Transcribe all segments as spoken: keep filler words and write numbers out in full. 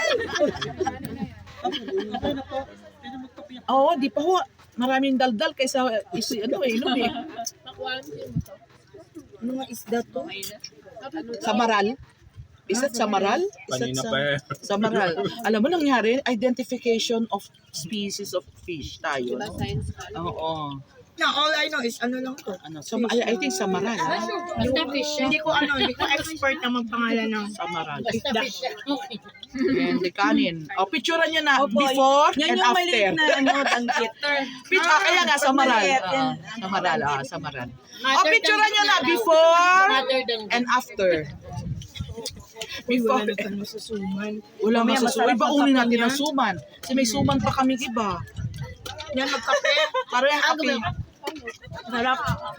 Oo, di pa ho. Maraming daldal kaysa isi, ano eh, inom eh. Ano nga isda to? Samaral? Isa't samaral? Isa't Kanina sa, pa eh. samaral. Alam mo nangyari, identification of species of fish tayo. No? Oo. Na all I know is ano lang to. Ano, so, I, I think samaral. Ha? Basta fish. Hindi ko ano, hindi ko expert na magpangalan ng Samaral. isda. And the kanin. O, picturean nyo na before Yan and yung after. maliit na ano, danggit. Picture, ah, kaya nga, samaral. maliit, yan. Ah, samaral, ah, samaral. O, picturean nyo na before and after. Before. Wala na masusuman. Wala Mamaya nga sa suman. masarap Iba ang unin kape natin niyan. ang suman. Kasi may suman pa kami iba. Yan, magkape. Para yung kape. Sarap.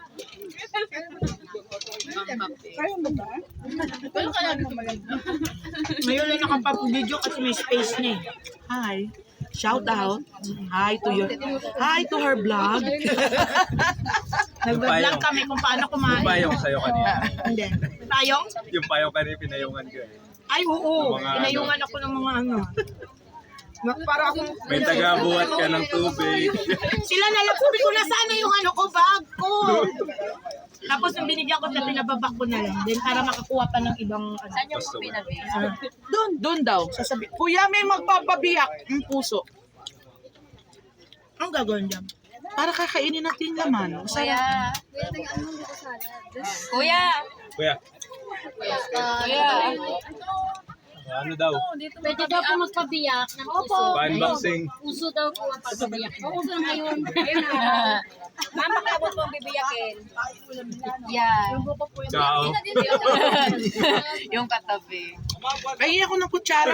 Ngayon lang nakapag-video kasi may space na eh. Hi. Shout out. Hi to your Hi to her vlog. Nag-vlog kami kung paano Yung kumain. payong sa'yo kanina. Hindi. Tayong? Yung payong kanina pinayungan ko eh. Ay, oo. Yung mga Inayungan ako ng mga ano. Ma- Para akong... May tagabuhat ka ng tubig. Sila na lang, sabi ko na sana yung ano ko, bag ko. Tapos nung binigyan ko sa pinababak ko na lang. Then para makakuha pa ng ibang... Ano. Saan yung pinabi? Doon, doon daw. Sasabi, Kuya, may magpapabiyak ng puso. Ang gagawin dyan? Para kakainin natin laman. Kuya. Kuya. Kuya, Kuya. ano daw? Pwede daw po magpabiyak ng puso. Pa-unboxing. Puso daw po ang pagpabiyak. Oo, uso na ngayon. Mama, kabot mong bibiyakin. Yan. Ciao. Yung katabi. Pahingin ako ng kutsara.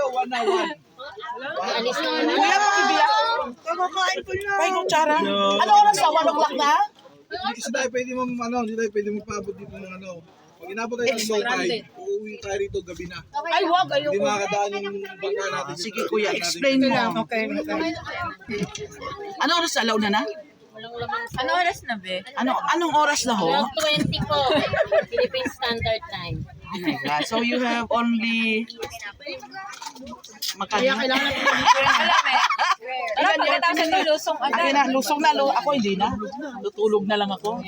Alis na nga. Kuya, pakibiyak. Kakakain ko na. Pahingin kutsara. Ano oras na? One o'clock na? Hindi kasi tayo pwede mo, ano, hindi tayo pwede magpaabot dito ng ano. Pag inabot tayo ng low tide, uuwi tayo rito gabi na. Ay, wag. Hindi Ayoko. makakadaan yung bangka natin. dito. Sige kuya, explain mo. Okay, okay. Ano oras na? Alaw na na? Ano oras na, be? Ano, anong oras na ho? twelve twenty po. Philippine Standard Time. Oh my God. So you have only... Magkano? Kaya kailangan natin Alam eh. Alam, pagkatapos ng lusong Akin agad. na, lusong na. Lu- ako hindi na. Tutulog na lang ako.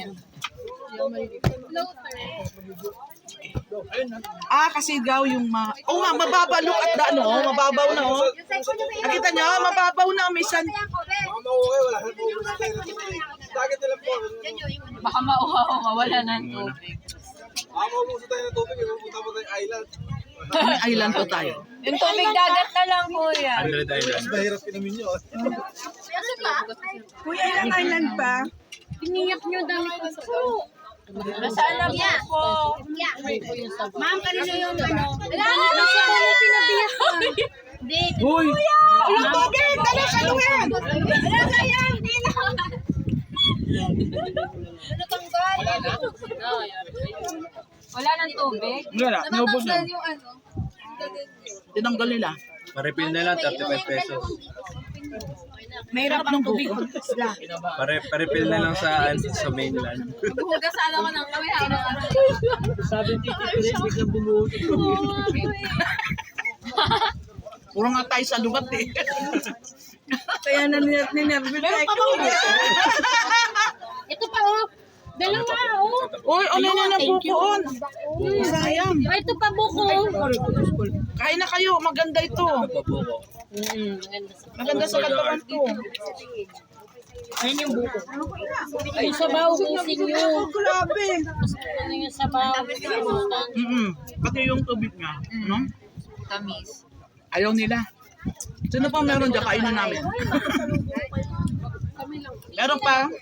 Ah, kasi daw yung ma... Oo nga, mababaw. Look at the ano, mababaw na oh. Nakita niyo, mababaw na. May san... Baka mauwi, wala. Mauwi tayo ng tubig. Dagat na lang po. Baka mauhaw, mawala ng tubig. Baka mauwi tayo ng tubig, pupunta pa tayo island. May island po tayo. Yung tubig dagat na lang, kuya. Hundred Island. Mahirap kinamin nyo. Kuya, ilang island pa? Piniyak nyo dami ko po. Nasaan na po po? Ma'am, kanino yung ano? Wala siya po yung pinabiyak ko. Hindi. Uy! Ang tubig! Dali, ano yan? Wala kaya. Hindi na. Wala ng tubig? Wala, naubos na. Tinanggal nila. Pa-refill na lang, thirty-five pesos. Mahirap ang tubig. Isla. Pare, pa-refill na lang sa, sa mainland. Hugas sana ko ng kami araw-araw. Puro nga tayo sa lugat eh. Kaya nanervous na ako. Ito pa oh. Dalawa oh. Uy, ano na na bukoon? Sayang. Ah, ito pa buko. Kain na kayo, maganda ito. Pabuko. Maganda sa katawan to. Ayun yung buko. Yung sabaw, busin nyo. Grabe. Ano yung sabaw? Mm Pati yung tubig nga. No? Tamis. Ayaw nila. Sino pa meron dyan? Kainin namin. Meron pa?